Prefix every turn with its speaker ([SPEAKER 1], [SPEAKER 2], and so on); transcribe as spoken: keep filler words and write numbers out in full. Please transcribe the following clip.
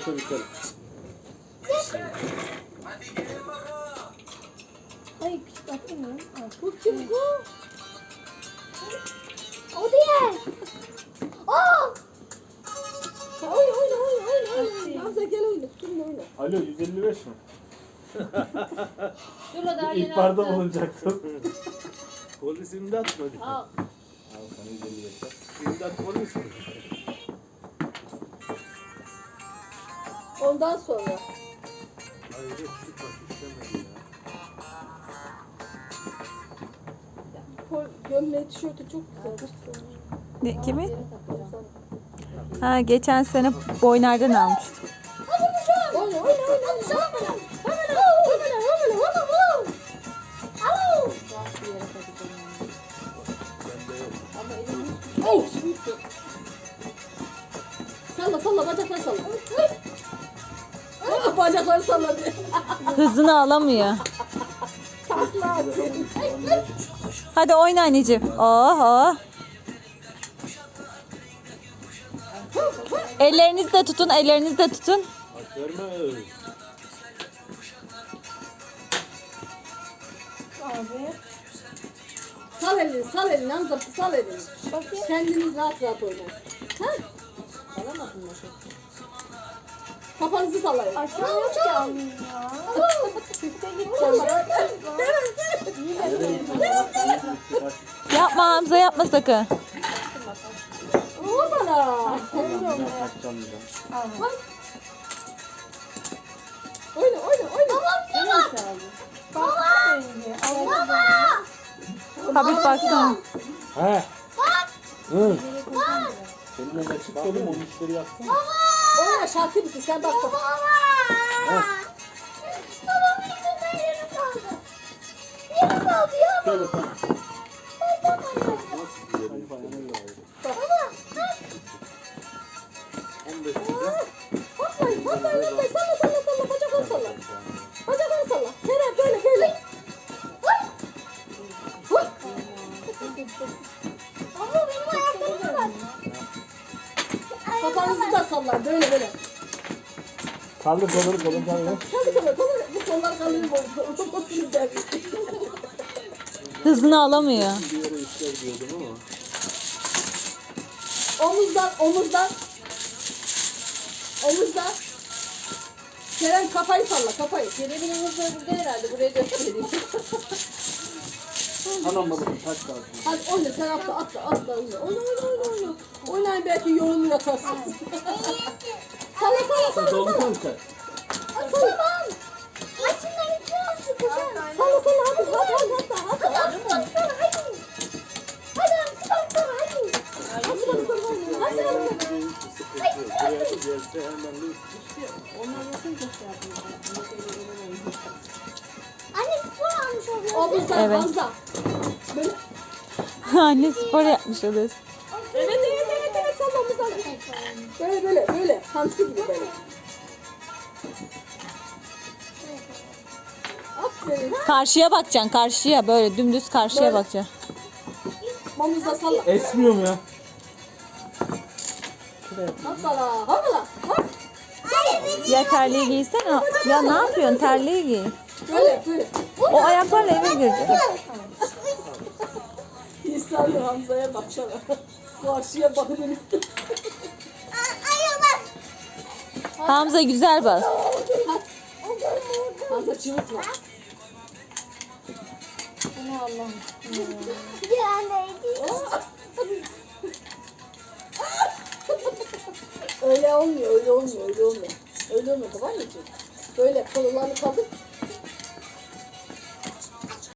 [SPEAKER 1] Yoksa biterim.
[SPEAKER 2] Ay küçük atamıyorum.
[SPEAKER 3] Bu kim bu? O diye. Aa! Oyna oyna oyna oyna oyna. Hamza gel oyna. Kimle oyna?
[SPEAKER 1] Alo yüz elli beş mi?
[SPEAKER 2] Dur o daha yeni
[SPEAKER 1] İlk barda
[SPEAKER 2] attı.
[SPEAKER 1] bulunacaktım.
[SPEAKER 4] Polis imdat mı?
[SPEAKER 2] Al.
[SPEAKER 1] Al sana yüz elli beş var.
[SPEAKER 4] İmdat polis mi?
[SPEAKER 3] Ondan sonra.
[SPEAKER 4] Hayır şu bak işlemedi ya.
[SPEAKER 3] Pol gömleği tişörtü çok güzel.
[SPEAKER 5] Ne, kimi?
[SPEAKER 2] Yere takacağım.
[SPEAKER 5] Ha, geçen sene boynardan almıştım.
[SPEAKER 3] Oyna oyna oyna oyna. Hemen hemen hemen hemen hemen. Alo.
[SPEAKER 2] Bak bir yere takacağım.
[SPEAKER 4] Bende yok.
[SPEAKER 2] Ama elim
[SPEAKER 3] Hey. Salla salla bacakları salla. Ah, bacakları salla diye.
[SPEAKER 5] Hızını alamıyor.
[SPEAKER 3] Takla atın.
[SPEAKER 5] Hadi oyna anneciğim. Oh oh. Ellerinizi de tutun, ellerinizi de tutun.
[SPEAKER 4] Aç verme.
[SPEAKER 2] abi.
[SPEAKER 3] Sal elini sal elini Hamza sal elini.
[SPEAKER 2] Bakayım.
[SPEAKER 3] Kendiniz rahat rahat oynayın. Ha?
[SPEAKER 2] Alamadın mı?
[SPEAKER 3] Kafanızı sallayın.
[SPEAKER 2] Aşağıya ki alayım ya. Üste gideceğim.
[SPEAKER 5] Yapma Hamza, yapma sakın.
[SPEAKER 3] Vur bana. Oyna oyna oyna.
[SPEAKER 2] Baba baba. Baba.
[SPEAKER 5] Habib baksana.
[SPEAKER 1] He. Hı. Senin önüne çık dedim o işleri yapsın.
[SPEAKER 3] Oyna şarkı bitti sen bak bak.
[SPEAKER 1] Şöyle tamam.
[SPEAKER 4] Nasıl bir
[SPEAKER 1] Hadi
[SPEAKER 4] yerim?
[SPEAKER 1] bayağı
[SPEAKER 4] on beş lira.
[SPEAKER 3] Hoplayın hoplayın hoplayın salla salla salla bacakları salla. Bacakları salla. Kerem böyle böyle. Oy. Oy.
[SPEAKER 6] Ama benim ayaklarım var.
[SPEAKER 3] Kafanızı da sallar böyle böyle.
[SPEAKER 1] Kaldır kolları kolunu kaldır.
[SPEAKER 3] Hadi kollar kollar. Bu kollar kalır mı? Olmasın der.
[SPEAKER 5] Hızını alamıyor.
[SPEAKER 4] Bir yere işler diyordum ama.
[SPEAKER 3] Omuzdan omuzdan. Omuzdan. Kerem kafayı salla kafayı.
[SPEAKER 2] Kerem'in omuzları burada herhalde. Buraya göstereyim.
[SPEAKER 1] Anam babam taş kalsın.
[SPEAKER 3] Hadi oyna sen atla atla atla oyna. Oyna oyna oyna oyna. Oynayın belki yolunu yakarsın. Salla salla salla
[SPEAKER 1] Doldu
[SPEAKER 3] salla.
[SPEAKER 1] mu sen?
[SPEAKER 3] Salla.
[SPEAKER 6] Açın iki sıkışın.
[SPEAKER 3] Salla salla hadi hadi hadi hadi hadi.
[SPEAKER 6] Hadi sıkışın hadi. Hadi sıkışın hadi.
[SPEAKER 3] Hadi bakalım hadi. Hadi bakalım.
[SPEAKER 4] Sıkıntı. Buraya gelse hemen de
[SPEAKER 2] Onlar yapınca şey yapıyorlar.
[SPEAKER 6] Anne spor almış oluyor.
[SPEAKER 3] Omuzdan
[SPEAKER 5] Evet.
[SPEAKER 3] Hamza. Böyle.
[SPEAKER 5] Anne spor yapmış oluyorsun.
[SPEAKER 3] Evet evet evet evet salla omuzdan. Böyle böyle böyle. Hamsi gibi böyle. Aferin.
[SPEAKER 5] Karşıya bakacaksın, karşıya. Böyle dümdüz karşıya bakacaksın.
[SPEAKER 3] Omuzda salla.
[SPEAKER 1] Esmiyor mu ya?
[SPEAKER 3] Hoppala hoppala. Hop.
[SPEAKER 5] Ya terliği giysene. Ya ne yapıyorsun? Terliği giy.
[SPEAKER 3] Böyle böyle.
[SPEAKER 5] O ayaklarla eve girecek.
[SPEAKER 3] İhsanlı Hamza'ya baksana. Karşıya bakın.
[SPEAKER 5] Hamza güzel bas.
[SPEAKER 3] Hamza çığırtma.
[SPEAKER 2] Bunu Allah'ım.
[SPEAKER 6] Bir anne.
[SPEAKER 3] Öyle olmuyor, öyle olmuyor, öyle olmuyor. Öyle olmuyor tamam mı? Böyle kollarını kaldır,